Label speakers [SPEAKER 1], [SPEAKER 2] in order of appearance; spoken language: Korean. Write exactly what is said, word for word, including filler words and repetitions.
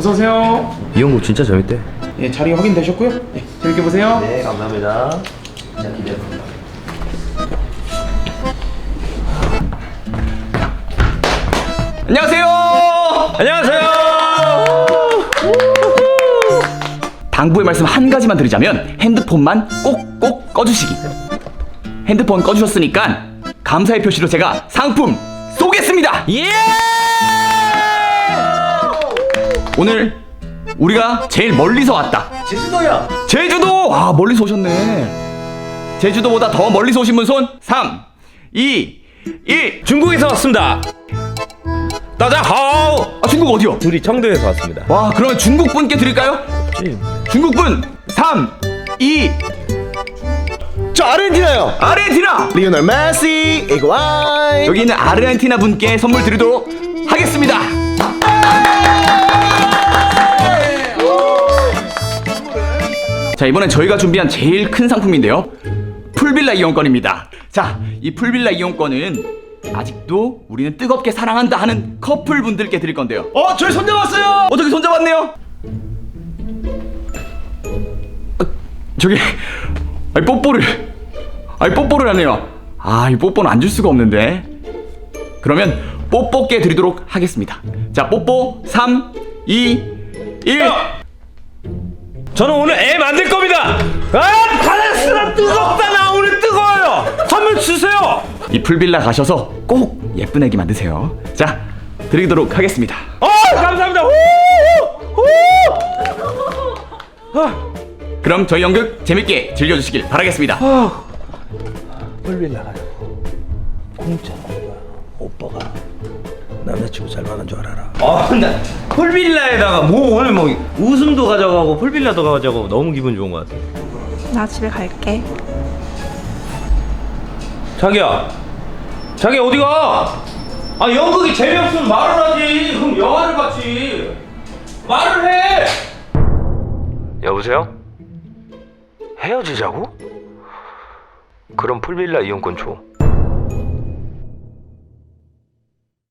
[SPEAKER 1] 어서 오세요.
[SPEAKER 2] 이용국 진짜 재밌대.
[SPEAKER 1] 예, 자리 확인되셨고요. 네, 재밌게 보세요.
[SPEAKER 2] 네, 감사합니다. 진짜 기대됩니다.
[SPEAKER 3] 안녕하세요.
[SPEAKER 2] 안녕하세요.
[SPEAKER 3] 당부의 말씀 한 가지만 드리자면 핸드폰만 꼭꼭 꺼주시기. 핸드폰 꺼주셨으니까 감사의 표시로 제가 상품 쏘겠습니다.
[SPEAKER 2] 예!
[SPEAKER 3] 오늘 우리가 제일 멀리서 왔다.
[SPEAKER 2] 제주도야.
[SPEAKER 3] 제주도! 아, 멀리서 오셨네. 제주도보다 더 멀리서 오신 분 손. 삼, 이, 일.
[SPEAKER 2] 중국에서 왔습니다. 따자하오.
[SPEAKER 3] 아, 중국 어디요?
[SPEAKER 2] 둘이 청도에서 왔습니다.
[SPEAKER 3] 와, 그러면 중국 분께 드릴까요? 중국 분. 삼, 이.
[SPEAKER 4] 저 아르헨티나요.
[SPEAKER 3] 아르헨티나.
[SPEAKER 4] 리오넬 메시 이구아인.
[SPEAKER 3] 여기 있는 아르헨티나 분께 선물 드리도록 하겠습니다. 자, 이번엔 저희가 준비한 제일 큰 상품인데요, 풀빌라 이용권입니다. 자, 이 풀빌라 이용권은 아직도 우리는 뜨겁게 사랑한다 하는 커플분들께 드릴 건데요. 어, 저희 손잡았어요. 어떻게 손잡았네요? 아, 저기, 아니 뽀뽀를, 아니 뽀뽀를 하네요. 아, 이 뽀뽀는 안 줄 수가 없는데. 그러면 뽀뽀께 드리도록 하겠습니다. 자, 뽀뽀 삼, 이, 일.
[SPEAKER 2] 저는 오늘 애 만들 겁니다. 아, 바레스라 뜨겁다. 나 오늘 뜨거워요. 선물 주세요.
[SPEAKER 3] 이 풀빌라 가셔서 꼭 예쁜 애기 만드세요. 자, 드리도록 하겠습니다.
[SPEAKER 2] 어, 감사합니다. 후! 후! 아,
[SPEAKER 3] 그럼 저희 연극 재밌게 즐겨주시길 바라겠습니다.
[SPEAKER 4] 풀빌라 가지고 공짜로 오빠가 남자친구 잘 만난 줄 알아라.
[SPEAKER 2] 아, 나 풀빌라에다가 뭐 오늘 뭐 웃음도 가져가고 풀빌라도 가져가고 너무 기분 좋은 것 같아.
[SPEAKER 5] 나 집에 갈게.
[SPEAKER 2] 자기야, 자기 어디 가? 아, 연극이 재미없으면 말을 하지. 그럼 영화를 봤지. 말을 해. 여보세요? 헤어지자고? 그럼 풀빌라 이용권 줘.